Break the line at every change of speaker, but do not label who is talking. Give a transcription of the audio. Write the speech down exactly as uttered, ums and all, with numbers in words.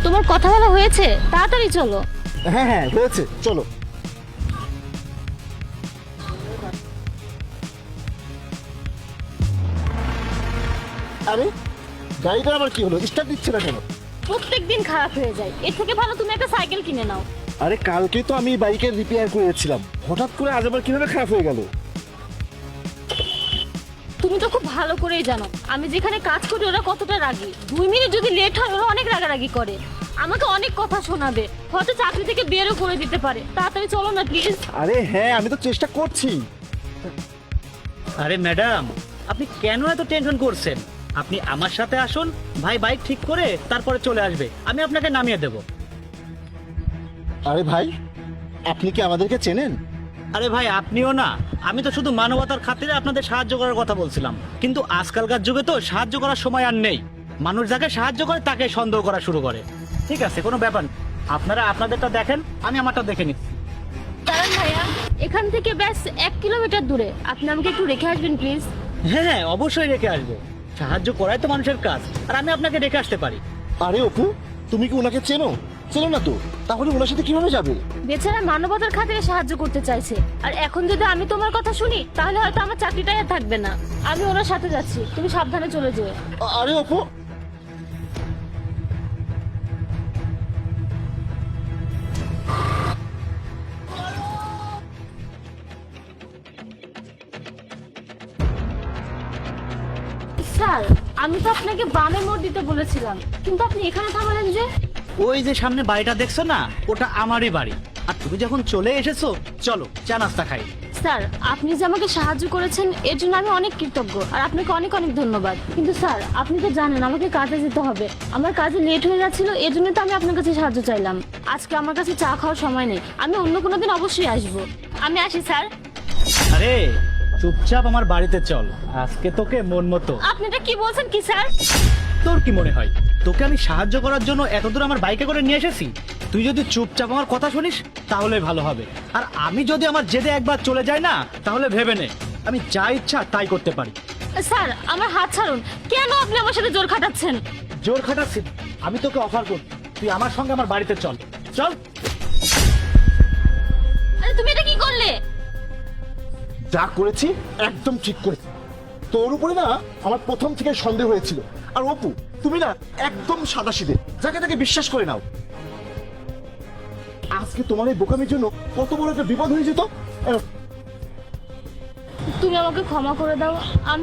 তোমার কথা বলা হয়েছে? তাড়াতাড়ি চলো।
হ্যাঁ হ্যাঁ হয়েছে, চলো। আরে গাড়িটা আবার কি হলো, স্টার্ট দিচ্ছে না কেন?
প্রত্যেকদিন খারাপ হয়ে যায়, এর থেকে ভালো তুমি একটা সাইকেল কিনে নাও।
আরে কালকে তো আমি বাইকের রিপেয়ার করেছিলাম, হঠাৎ করে আজ আবার কিভাবে খারাপ হয়ে গেল?
তুমি তো খুব ভালো করেই জানো আমি যেখানে কাজ করি ওরা কতটা রাগী। দুই মিনিট যদি লেট হয় ওরা অনেক রাগারাগি করে, আমাকে অনেক কথা শোনাবে, হয়তো চাকরি থেকে বেরও করে দিতে পারে। তাড়াতাড়ি চলো না প্লিজ।
আরে হ্যাঁ, আমি তো চেষ্টা করছি।
আরে ম্যাডাম, আপনি কেন এত টেনশন করছেন? আপনি আমার সাথে আসুন, ভাই বাইক ঠিক করে তারপরে চলে আসবে, আমি আপনাকে নামিয়ে দেব।
আরে ভাই, আপনি কি আমাদেরকে চেনেন?
আরে ভাই আপনিও না, আমি তো শুধু মানবতার খাতিরে আপনাদের সাহায্য করার কথা বলছিলাম, কিন্তু আজকালকার যুগে তো সাহায্য করার সময় আর নেই। মানুষ যাকে সাহায্য করে তাকে সন্দেহ করা শুরু করে। ঠিক আছে, কোনো ব্যাপার না, আপনারা আপনাদেরটা দেখেন, আমি আমারটা দেখে নিচ্ছি।
কারণ ভাইয়া এখান থেকে ব্যাস এক কিলোমিটার দূরে, আপনি আমাকে একটু রেখে আসবেন প্লিজ।
হ্যাঁ হ্যাঁ অবশ্যই রেখে আসবো, সাহায্য করাই তো মানুষের কাজ, আর আমি আপনাকে রেখে আসতে পারি।
আরে অপু, তুমি কি ওনাকে চেনো? চেনো না তো, তাহলে ওনার সাথে কিভাবে যাবে?
বেচারা মানবতার খাতিরে সাহায্য করতে চাইছে, আর এখন যদি আমি তোমার কথা শুনি তাহলে হয়তো আমার চাকরিটাই আর থাকবে না। আমি ওনার সাথে যাচ্ছি, তুমি সাবধানে চলে যেও।
আ- আরে অপু,
স্যার, আমি তো আপনাকে বামে মোড় দিতে বলেছিলাম, কিন্তু আপনি এখানে থামালেন যে?
ওই যে সামনে বাড়িটা দেখছো না, ওটা আমারই বাড়ি, আর তুমি যখন চলে এসেছো চলো চা নাস্তা খাই।
স্যার, আপনি যে আমাকে সাহায্য করেছেন এর জন্য আমি অনেক কৃতজ্ঞ, আর আপনাকে অনেক অনেক ধন্যবাদ। কিন্তু স্যার, আপনি তো জানেন আমাকে কাজে যেতে হবে, আমার কাজে লেট হয়ে যাচ্ছিল, এর জন্য তো আমি আপনার কাছে সাহায্য চাইলাম। আজকে আমার কাছে চা খাওয়ার সময় নেই, আমি অন্য কোনো দিন অবশ্যই আসবো। আমি আসি স্যার।
আরে চুপচাপ আমার বাড়িতে চল, আজকে তোকে মন মতো।
আপনি এটা কি বলছেন কি স্যার?
তোর কি মনে হয় তোকে আমি সাহায্য করার জন্য এতদূর আমার বাইকে করে নিয়ে এসেছি? তুই যদি চুপচাপ আমার কথা শুনিস তাহলে ভালো হবে, আর আমি যদি আমার জেদে একবার চলে যাই না, তাহলে ভেবে নে আমি যা ইচ্ছা তাই করতে পারি।
স্যার, আমার হাত ছাড়ুন, কেন আপনি আমার সাথে জোর খাটাচ্ছেন?
জোর খাটাচ্ছি? আমি তোকে অফার করছি, তুই আমার সঙ্গে আমার বাড়িতে চল। চল।
আরে তুমি এটা কি করলে?
যা করেছি একদম ঠিক করেছি। তোর উপরে না আমার প্রথম থেকে সন্দেহ হয়েছিল, আর অপু তুমি না একদম সাদাসিধে, যাকে তাকে বিশ্বাস করে নাও। আজকে তোমার এই বোকামির জন্য কত বড় একটা বিপদ হয়ে যেত।
তুমি আমাকে ক্ষমা করে দাও, আমি